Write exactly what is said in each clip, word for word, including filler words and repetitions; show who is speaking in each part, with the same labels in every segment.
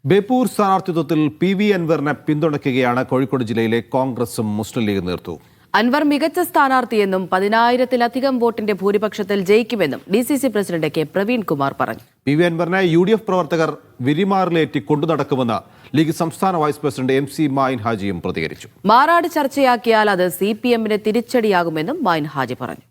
Speaker 1: Beypore സ്ഥാനാർത്ഥിത്വത്തിൽ P V അൻവറിനെ പിന്തുണയ്ക്കുകയാണ് കോഴിക്കോട് ജില്ലയിലെ കോൺഗ്രസും മുസ്ലിം ലീഗ് നേതൃത്വവും.
Speaker 2: അൻവർ മികച്ച സ്ഥാനാർത്ഥിയെന്നും പതിനായിരത്തിലധികം വോട്ടിന്റെ ഭൂരിപക്ഷത്തിൽ ജയിക്കുമെന്നും D C C president K Praveen Kumar പറഞ്ഞു.
Speaker 1: പി വി അൻവറിനെ യു ഡി എഫ് പ്രവർത്തകർ വിരിമാറിലേറ്റി കൊണ്ടുനടക്കുമെന്ന് ലീഗ് സംസ്ഥാന vice president M C Mayin ഹാജിയും പ്രതികരിച്ചു.
Speaker 2: മാറാട് ചർച്ചയാക്കിയാൽ അത് സി പി എമ്മിന് തിരിച്ചടിയാകുമെന്നും മായിൻ ഹാജി പറഞ്ഞു.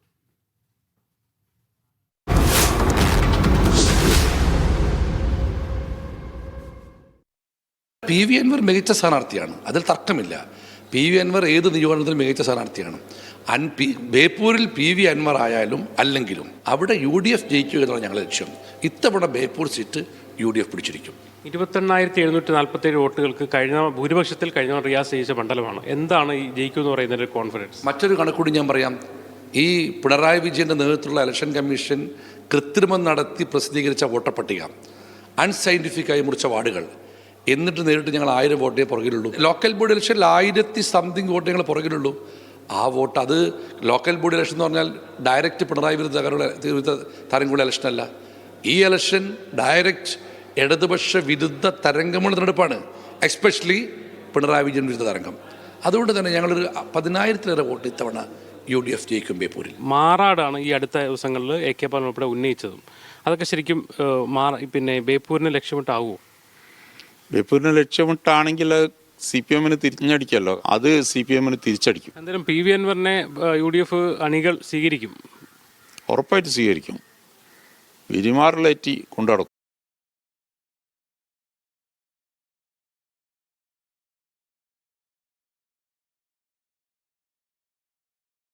Speaker 3: പി വി അൻവർ മികച്ച സ്ഥാനാർത്ഥിയാണ്, അതിൽ തർക്കമില്ല. പി വി അൻവർ ഏത് നിയോജനത്തിലും മികച്ച സ്ഥാനാർത്ഥിയാണ്. അൻ പി ബേപ്പൂരിൽ പി വി അൻവർ ആയാലും അല്ലെങ്കിലും അവിടെ യു ഡി എഫ് ജയിക്കുക എന്നുള്ള ഞങ്ങളുടെ ലക്ഷ്യം. ഇത്തവണ Beypore seat U D F പിടിച്ചിരിക്കും.
Speaker 4: ഇരുപത്തെണ്ണായിരത്തി എഴുന്നൂറ്റി നാൽപ്പത്തി ഏഴ് വോട്ടുകൾക്ക് കഴിഞ്ഞ ഭൂരിപക്ഷത്തിൽ കഴിഞ്ഞ റിയാസ് ജയിച്ച മണ്ഡലമാണ്. എന്താണ് ഈ ജയിക്കുമെന്ന് പറയുന്നതിൻ്റെ കോൺഫിഡൻസ്?
Speaker 3: മറ്റൊരു കണക്കൂടി ഞാൻ പറയാം. ഈ പിണറായി വിജയൻ്റെ നേതൃത്വത്തിലുള്ള ഇലക്ഷൻ കമ്മീഷൻ കൃത്രിമം നടത്തി പ്രസിദ്ധീകരിച്ച വോട്ടപ്പട്ടിക, അൺസയൻറ്റിഫിക്കായി മുറിച്ച വാർഡുകൾ, എന്നിട്ട് നേരിട്ട് ഞങ്ങൾ ആയിരം വോട്ടേ പുറകിലുള്ളൂ. ലോക്കൽ ബോഡി ഇലക്ഷനിൽ ആയിരത്തി സംതിങ് വോട്ട് ഞങ്ങൾ പുറകിലുള്ളൂ. ആ വോട്ട്, അത് ലോക്കൽ ബോഡി ഇലക്ഷൻ എന്ന് പറഞ്ഞാൽ ഡയറക്റ്റ് പിണറായി വിരുദ്ധ വിരുദ്ധ തരംഗമുള്ള ഇലക്ഷനല്ല. ഈ ഇലക്ഷൻ ഡയറക്റ്റ് ഇടതുപക്ഷ വിരുദ്ധ തരംഗമുള്ള തെരഞ്ഞെടുപ്പാണ്, എസ്പെഷ്യലി പിണറായി വിജയൻ വിരുദ്ധ തരംഗം. അതുകൊണ്ട് തന്നെ ഞങ്ങളൊരു പതിനായിരത്തിലേറെ വോട്ട് ഇത്തവണ യു ഡി എഫ് ജയിക്കും ബേപ്പൂരിൽ.
Speaker 4: മാറാടാണ് ഈ അടുത്ത ദിവസങ്ങളിൽ എ കെ ബാലൻ ഉൾപ്പെടെ ഉന്നയിച്ചതും. അതൊക്കെ ശരിക്കും മാറ പിന്നെ ബേപ്പൂരിനെ ലക്ഷ്യമിട്ടാവുമോ?
Speaker 5: ബേപ്പൂരിനെ ലക്ഷ്യമിട്ടാണെങ്കിൽ സി പി എമ്മിന് തിരിഞ്ഞടിക്കല്ലോ, അത് സി പി എമ്മിന് തിരിച്ചടിക്കും.
Speaker 4: എന്തായാലും പി വി അൻവറിനെ യു ഡി എഫ് അണികൾ സ്വീകരിക്കും,
Speaker 5: ഉറപ്പായിട്ട് സ്വീകരിക്കും. വിരിമാറിലേറ്റി കൊണ്ടുനടക്കും.